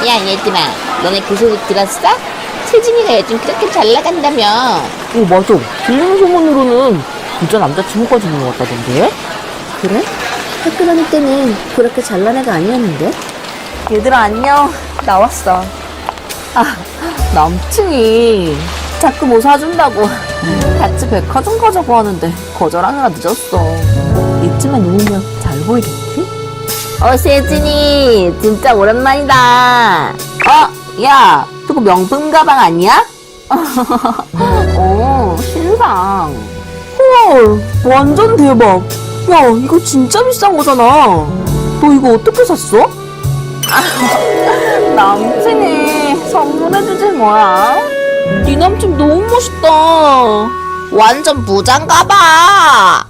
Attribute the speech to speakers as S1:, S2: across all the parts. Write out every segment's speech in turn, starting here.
S1: 야, 얘들아, 너네 그 소리 들었어? 세진이가 요즘 그렇게 잘 나간다며.
S2: 오, 맞아. 들리는 소문으로는 부자 남자친구까지 있는 것 같다던데?
S3: 그래? 학교 다닐 때는 그렇게 잘난 애가 아니었는데?
S2: 얘들아, 안녕. 나왔어. 아, 남친이 자꾸 뭐 사준다고 같이 백화점 가자고 하는데 거절하느라 늦었어. 이쯤에 누우면 잘 보이겠지? 세진이 진짜 오랜만이다. 야, 저거 명품 가방 아니야? 신상. 헐, 완전 대박. 야, 이거 진짜 비싼 거잖아. 너 이거 어떻게 샀어? 남친이 선물해주지 뭐야. 네 남친 너무 멋있다.
S1: 완전 부자인가 봐.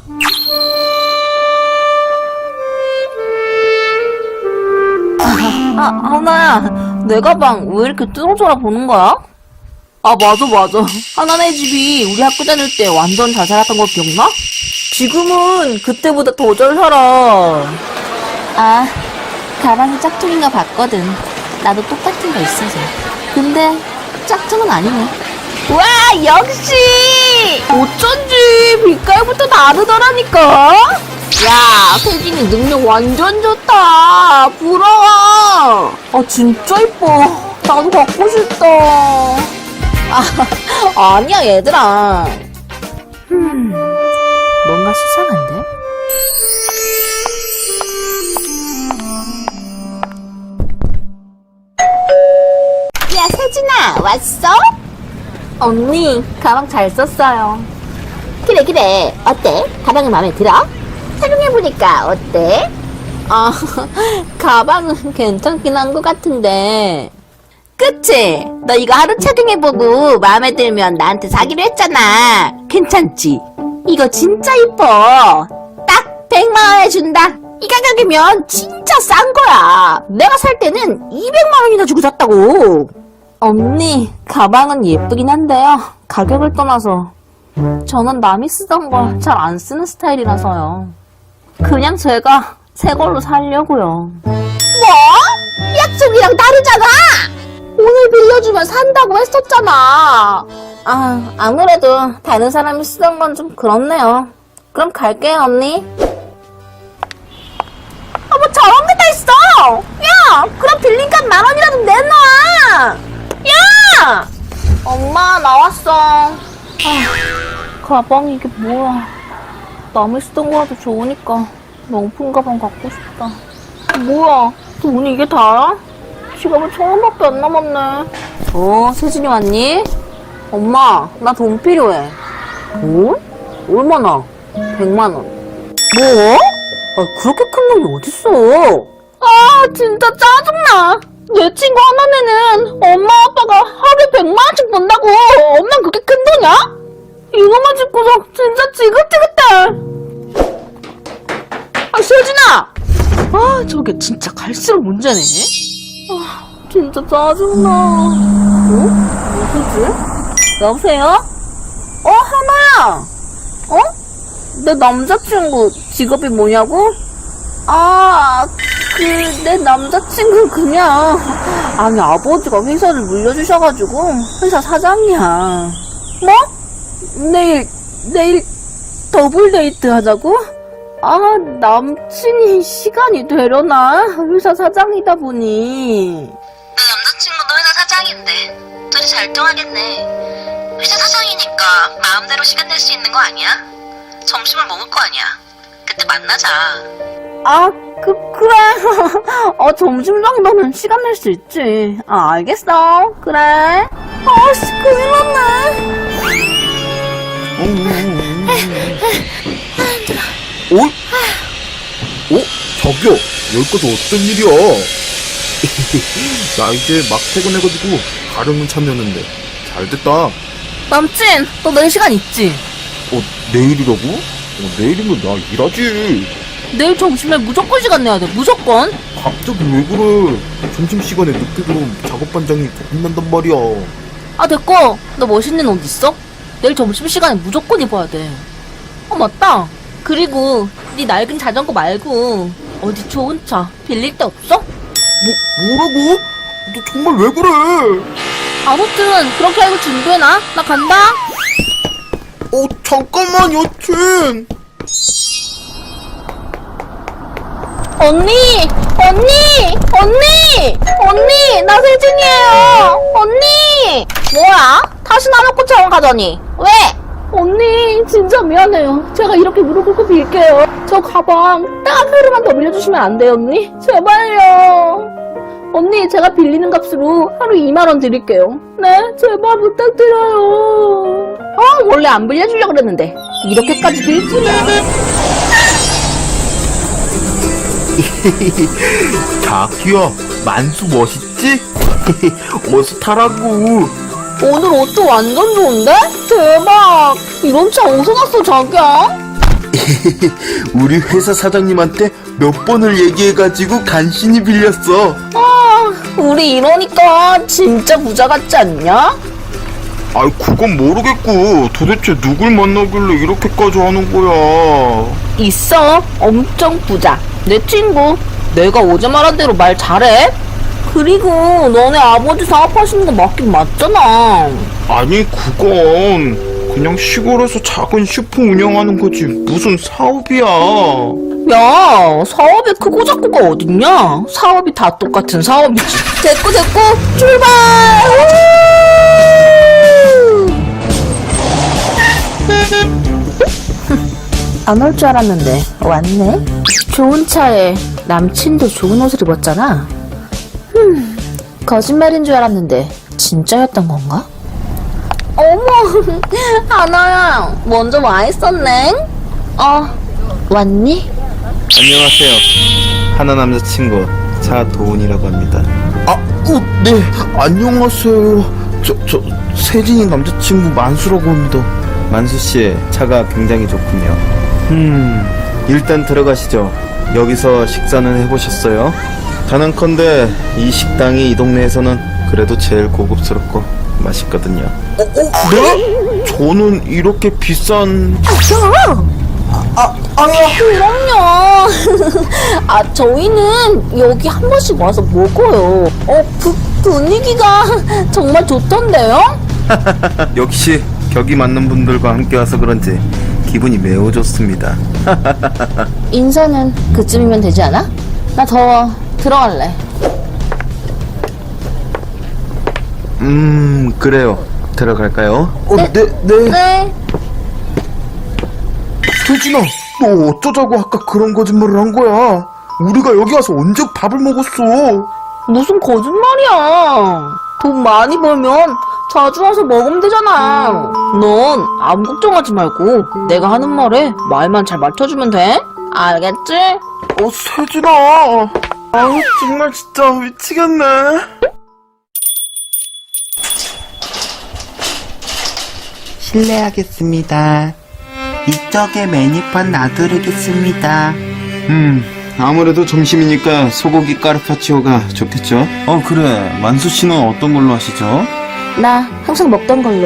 S2: 하나야, 내 가방 왜 이렇게 뚫어져라 보는 거야? 맞아. 하나네 집이 우리 학교 다닐 때 완전 잘 살았던 거 기억나? 지금은 그때보다 더 잘 살아.
S3: 가방이 짝퉁인 거 봤거든. 나도 똑같은 거 있어서. 근데 짝퉁은 아니네.
S2: 와, 역시! 어쩐지 빛깔부터 다르더라니까? 야, 세진이 능력 완전 좋다. 부러워. 진짜 이뻐. 나도 갖고 싶다. 아니야, 얘들아.
S3: 뭔가 수상한데?
S1: 야, 세진아, 왔어?
S2: 언니, 가방 잘 썼어요.
S1: 그래. 어때? 가방이 마음에 들어? 착용해보니까 어때?
S2: 가방은 괜찮긴 한 것 같은데. 그치? 너 이거 하루 착용해보고 마음에 들면 나한테 사기로 했잖아. 괜찮지? 이거 진짜 이뻐. 딱 100만 원에 준다. 이 가격이면 진짜 싼 거야. 내가 살 때는 200만 원이나 주고 샀다고. 언니, 가방은 예쁘긴 한데요. 가격을 떠나서 저는 남이 쓰던 걸 잘 안 쓰는 스타일이라서요. 그냥 제가 새 걸로 살려고요.
S1: 뭐? 약속이랑 다르잖아! 오늘 빌려주면 산다고 했었잖아.
S2: 아무래도 다른 사람이 쓰던 건 좀 그렇네요. 그럼 갈게요, 언니. 뭐 저런 게 다 있어! 야! 그럼 빌린 값 10,000원이라도 내놔! 야! 엄마, 나왔어. 가방이 이게 뭐야. 남이 쓰던 거라도 좋으니까 명품 가방 갖고 싶다. 뭐야, 돈이 이게 다야? 지갑에 1,000원밖에 안 남았네. 세진이 왔니? 엄마, 나 돈 필요해. 돈? 얼마나? 100만 원. 뭐? 그렇게 큰 돈이 어딨어? 진짜 짜증나. 내 친구 하나네는 엄마 아빠가 하루에 100만 원씩 번다고. 엄만 그게 큰 돈이야? 이거만 짚고서 진짜 지긋지긋해. 세진아! 저게 진짜 갈수록 문제네. 진짜 짜증나. 누구지? 여보세요? 하나야! 내 남자친구 직업이 뭐냐고? 내 남자친구 그냥 아니 아버지가 회사를 물려주셔가지고 회사 사장이야. 뭐? 내일 더블 데이트 하자고? 남친이 시간이 되려나? 회사 사장이다 보니.
S4: 내 남자친구도 회사 사장인데 둘이 잘 통하겠네. 회사 사장이니까 마음대로 시간 낼 수 있는 거 아니야? 점심을 먹을 거 아니야. 그때 만나자.
S2: 그래. 점심 정도는 시간 낼 수 있지. 알겠어. 그래. 큰일 났네.
S5: 저기요, 여기까지 어떤 일이야? 나 이제 막 퇴근해가지고 가려면 참여했는데 잘 됐다.
S2: 남친, 너 내일 시간 있지?
S5: 내일이라고? 내일이면 나 일하지.
S2: 내일 점심에 무조건 시간 내야 돼. 무조건.
S5: 갑자기 왜 그래? 점심시간에 늦게 들어오면 작업반장이 혼난단 말이야.
S2: 됐고. 너 멋있는 옷 있어? 내일 점심시간에 무조건 입어야 돼. 맞다. 그리고 네 낡은 자전거 말고 어디 좋은 차 빌릴 데 없어?
S5: 뭐라고? 너 정말 왜 그래?
S2: 아무튼 그렇게 알고 준비해놔. 나 간다.
S5: 잠깐만, 여친.
S2: 언니! 나 세진이에요! 언니! 뭐야? 다시 나 놓고 저원 가더니. 왜? 언니, 진짜 미안해요. 제가 이렇게 무릎 꿇고 빌게요. 저 가방 딱 하루만 더 빌려주시면 안 돼요, 언니? 제발요. 언니, 제가 빌리는 값으로 하루 2만원 드릴게요. 네? 제발 부탁드려요. 원래 안 빌려주려고 그랬는데. 이렇게까지 빌 줄이야.
S5: 자기야, 만수 멋있지? 어서 타라고.
S2: 오늘 옷도 완전 좋은데? 대박! 이런 차 어디서 났어, 자기야?
S5: 우리 회사 사장님한테 몇 번을 얘기해가지고 간신히 빌렸어.
S2: 우리 이러니까 진짜 부자 같지 않냐?
S5: 아이, 그건 모르겠고 도대체 누굴 만나길래 이렇게까지 하는 거야.
S2: 있어. 엄청 부자. 내 친구. 내가 어제 말한 대로 말 잘해? 그리고 너네 아버지 사업하시는 거 맞긴 맞잖아.
S5: 아니, 그건 그냥 시골에서 작은 슈퍼 운영하는 거지 무슨 사업이야.
S2: 야, 사업이 크고 작고가 어딨냐? 사업이 다 똑같은 사업이지. 됐고, 출발! 안 올 줄 알았는데 왔네. 좋은 차에 남친도 좋은 옷을 입었잖아. 거짓말인 줄 알았는데 진짜였던 건가? 어머, 하나야, 먼저 와 있었네.
S1: 왔니?
S5: 안녕하세요. 하나 남자친구 차도훈이라고 합니다. 네, 안녕하세요. 저 세진이 남자친구 만수라고 합니다. 만수씨, 차가 굉장히 좋군요. 일단 들어가시죠. 여기서 식사는 해보셨어요? 단언컨대 이 식당이 이 동네에서는 그래도 제일 고급스럽고 맛있거든요. 네? 저는 이렇게 비싼...
S2: 그럼요. 저희는 여기 한 번씩 와서 먹어요. 분위기가 정말 좋던데요?
S5: 역시 격이 맞는 분들과 함께 와서 그런지 기분이 매우 좋습니다.
S1: 인사는 그쯤이면 되지 않아? 나 더워. 들어갈래.
S5: 그래요. 들어갈까요?
S2: 네.
S5: 세진아, 너 어쩌자고 아까 그런 거짓말을 한 거야? 우리가 여기 와서 언제 밥을 먹었어?
S2: 무슨 거짓말이야. 돈 많이 벌면 자주 와서 먹으면 되잖아. 넌 아무 걱정하지 말고 내가 하는 말에 말만 잘 맞춰주면 돼. 알겠지?
S5: 세진아. 정말 진짜 미치겠네.
S6: 실례하겠습니다. 이쪽에 메뉴판 놔드리겠습니다.
S5: 아무래도 점심이니까 소고기 까르파치오가 좋겠죠? 그래. 만수 씨는 어떤 걸로 하시죠?
S1: 나 항상 먹던 걸로.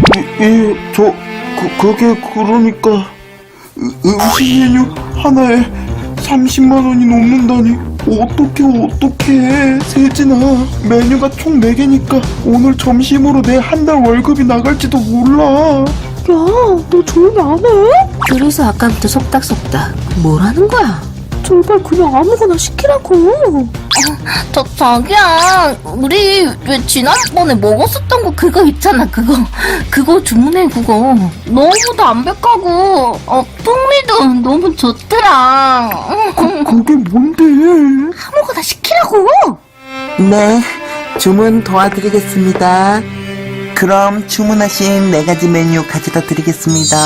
S5: 그게 그러니까 음식 메뉴 하나에 30만 원이 넘는다니. 어떡해 세진아. 메뉴가 총 4개니까 오늘 점심으로 내 한 달 월급이 나갈지도 몰라.
S2: 너 조용히 안 해?
S3: 그래서 아까부터 속닥속닥 뭘 하는 거야?
S2: 제발 그냥 아무거나 시키라고. 자기야, 우리 왜 지난번에 먹었었던 거 그거 있잖아. 그거 주문해. 그거 너무 담백하고 풍미도 너무 좋더라.
S5: 그게 뭔데?
S2: 아무거나 시키라고.
S6: 네, 주문 도와드리겠습니다. 그럼 주문하신 4가지 메뉴 가져다 드리겠습니다.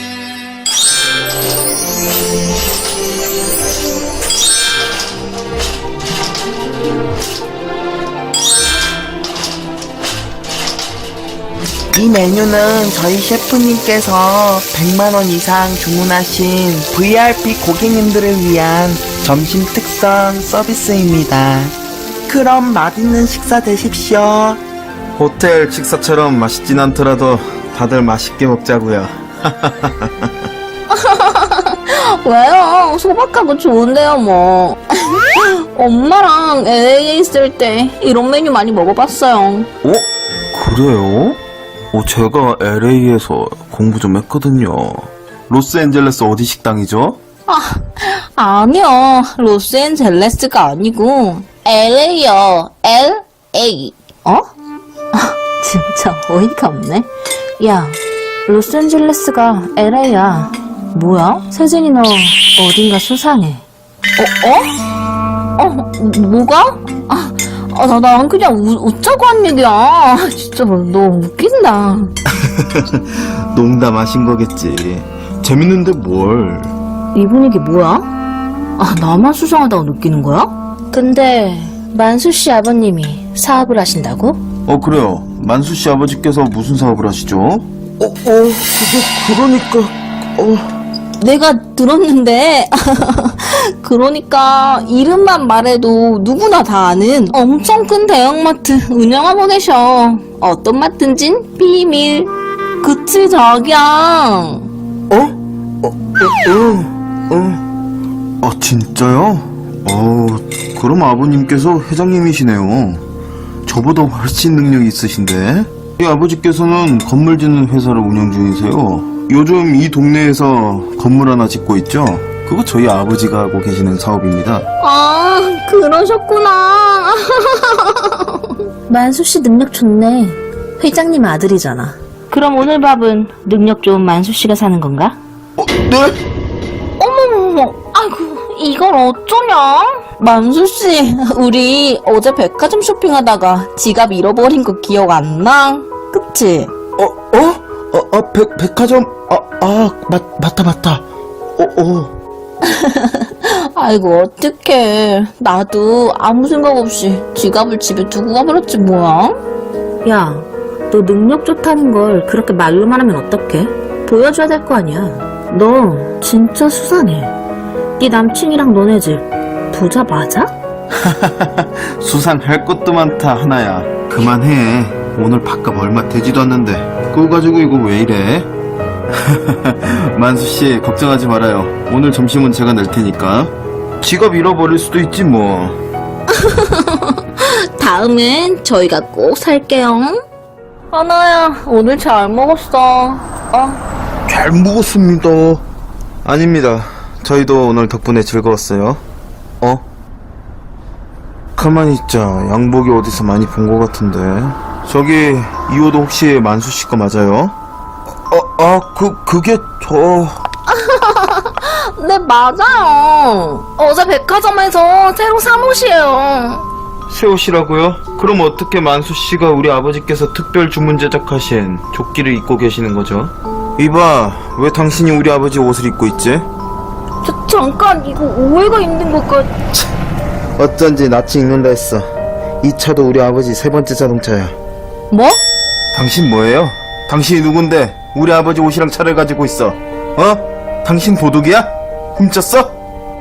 S6: 이 메뉴는 저희 셰프님께서 100만원 이상 주문하신 VIP 고객님들을 위한 점심 특선 서비스입니다. 그럼 맛있는 식사 되십시오.
S5: 호텔 식사처럼 맛있진 않더라도 다들 맛있게 먹자고요.
S2: 왜요? 소박하고 좋은데요, 뭐. 엄마랑 LA에 있을 때 이런 메뉴 많이 먹어봤어요.
S5: 그래요? 제가 LA에서 공부 좀 했거든요. 로스앤젤레스 어디 식당이죠?
S2: 아니요, 로스앤젤레스가 아니고 LA요. LA. 진짜 어이가 없네. 야, 로스앤젤레스가 LA야. 뭐야? 세진이 너 어딘가 수상해. 뭐가? 난 그냥 웃자고 한 얘기야. 진짜 너 웃긴다.
S5: 농담하신 거겠지. 재밌는데 뭘.
S2: 이 분위기 뭐야? 나만 수상하다고 느끼는 거야? 근데 만수 씨 아버님이 사업을 하신다고?
S5: 그래요. 만수 씨 아버지께서 무슨 사업을 하시죠? 그러니까
S2: 내가 들었는데 그러니까 이름만 말해도 누구나 다 아는 엄청 큰 대형마트 운영하고 계셔. 어떤 마트인진 비밀. 그치 자기야.
S5: 진짜요? 그럼 아버님께서 회장님이시네요. 저보다 훨씬 능력이 있으신데? 이 아버지께서는 건물 짓는 회사를 운영 중이세요. 요즘 이 동네에서 건물 하나 짓고 있죠? 그거 저희 아버지가 하고 계시는 사업입니다.
S2: 그러셨구나. 만수 씨 능력 좋네. 회장님 아들이잖아. 그럼 오늘 밥은 능력 좋은 만수 씨가 사는 건가?
S5: 네?
S2: 어머머머, 아이고, 이걸 어쩌냐? 만수씨, 우리 어제 백화점 쇼핑하다가 지갑 잃어버린 거 기억 안 나? 그치?
S5: 백화점? 맞다.
S2: 아이고, 어떡해. 나도 아무 생각 없이 지갑을 집에 두고 가버렸지, 뭐야? 야, 너 능력 좋다는 걸 그렇게 말로만 하면 어떡해? 보여줘야 될 거 아니야. 너 진짜 수상해. 네 남친이랑 너네 집 부자 맞아?
S5: 수상할 것도 많다 하나야. 그만해. 오늘 밥값 얼마 되지도 않는데 그거 가지고 이거 왜 이래? 만수씨 걱정하지 말아요. 오늘 점심은 제가 낼 테니까. 지갑 잃어버릴 수도 있지 뭐.
S2: 다음엔 저희가 꼭 살게요. 하나야, 오늘 잘 먹었어.
S5: 잘 먹었습니다. 아닙니다. 저희도 오늘 덕분에 즐거웠어요. 가만히 있자. 양복이 어디서 많이 본 것 같은데. 저기 이 옷 혹시 만수씨 거 맞아요? 그게 저...
S2: 네, 맞아요. 어제 백화점에서 새로 산 옷이에요.
S5: 새 옷이라고요? 그럼 어떻게 만수씨가 우리 아버지께서 특별 주문 제작하신 조끼를 입고 계시는 거죠? 이봐, 왜 당신이 우리 아버지 옷을 입고 있지?
S2: 잠깐, 이거 오해가 있는 것 같...
S5: 어쩐지 낯이 익는다 했어. 이 차도 우리 아버지 세 번째 자동차야.
S2: 뭐?
S5: 당신 뭐예요? 당신이 누군데 우리 아버지 옷이랑 차를 가지고 있어? 당신 도둑이야? 훔쳤어?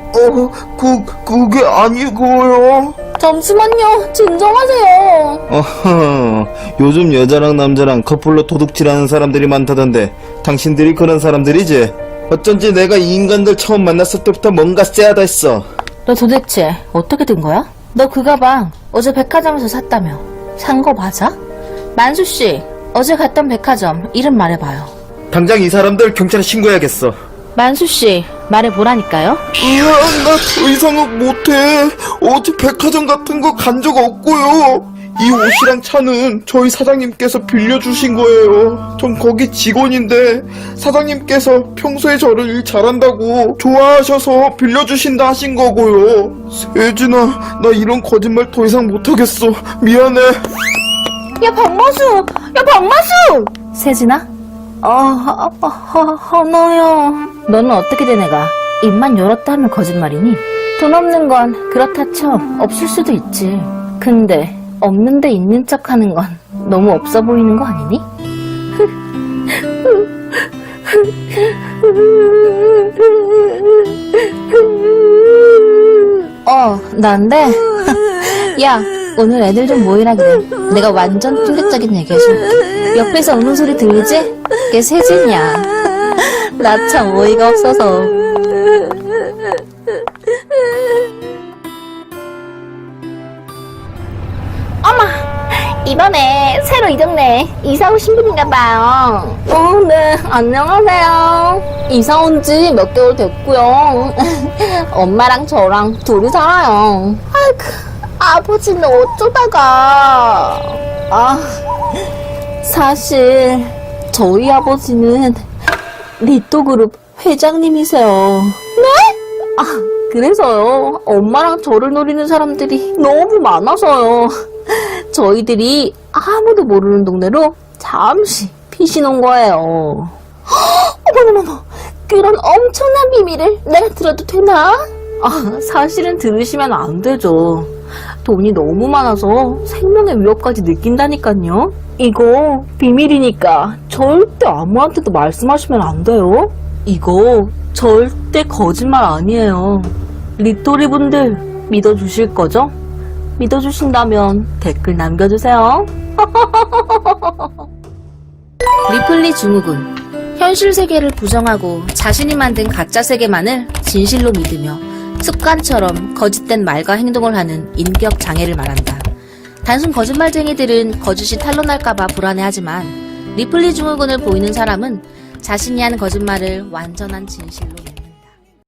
S5: 그게 아니고요.
S2: 잠시만요, 진정하세요.
S5: 요즘 여자랑 남자랑 커플로 도둑질하는 사람들이 많다던데 당신들이 그런 사람들이지? 어쩐지 내가 이 인간들 처음 만났을 때부터 뭔가 쎄하다 했어.
S2: 너 도대체 어떻게 된 거야? 너 그 가방 어제 백화점에서 샀다며. 산 거 맞아? 만수씨, 어제 갔던 백화점 이름 말해봐요.
S5: 당장 이 사람들 경찰에 신고해야겠어.
S2: 만수씨, 말해보라니까요.
S5: 나 더 이상은 못해. 어제 백화점 같은 거 간 적 없고요. 이 옷이랑 차는 저희 사장님께서 빌려주신 거예요. 전 거기 직원인데 사장님께서 평소에 저를 일 잘한다고 좋아하셔서 빌려주신다 하신 거고요. 세진아, 나 이런 거짓말 더 이상 못하겠어. 미안해.
S2: 야, 박마수! 세진아? 하나야. 너는 어떻게 된 애가 입만 열었다 하면 거짓말이니? 돈 없는 건 그렇다 쳐. 없을 수도 있지. 근데 없는데 있는 척 하는 건 너무 없어 보이는 거 아니니? 난데? 야, 오늘 애들 좀 모이라 그래. 내가 완전 충격적인 얘기 해줄게. 옆에서 우는 소리 들리지? 그게 세진이야. 나 참 어이가 없어서. 이번에 새로 이 동네 이사 오신 분인가봐요. 네, 안녕하세요. 이사 온 지 몇 개월 됐고요. 엄마랑 저랑 둘이 살아요. 아이고, 아버지는 어쩌다가. 사실 저희 아버지는 리또그룹 회장님이세요. 네? 그래서요. 엄마랑 저를 노리는 사람들이 너무 많아서요. 저희들이 아무도 모르는 동네로 잠시 피신 온 거예요. 어머머머, 그런 엄청난 비밀을 내가 들어도 되나? 사실은 들으시면 안 되죠. 돈이 너무 많아서 생명의 위협까지 느낀다니까요. 이거 비밀이니까 절대 아무한테도 말씀하시면 안 돼요. 이거 절대 거짓말 아니에요. 리또리 분들 믿어주실 거죠? 믿어주신다면 댓글 남겨주세요.
S3: 리플리 증후군. 현실 세계를 부정하고 자신이 만든 가짜 세계만을 진실로 믿으며 습관처럼 거짓된 말과 행동을 하는 인격 장애를 말한다. 단순 거짓말쟁이들은 거짓이 탄로날까봐 불안해하지만 리플리 증후군을 보이는 사람은 자신이 한 거짓말을 완전한 진실로 믿는다.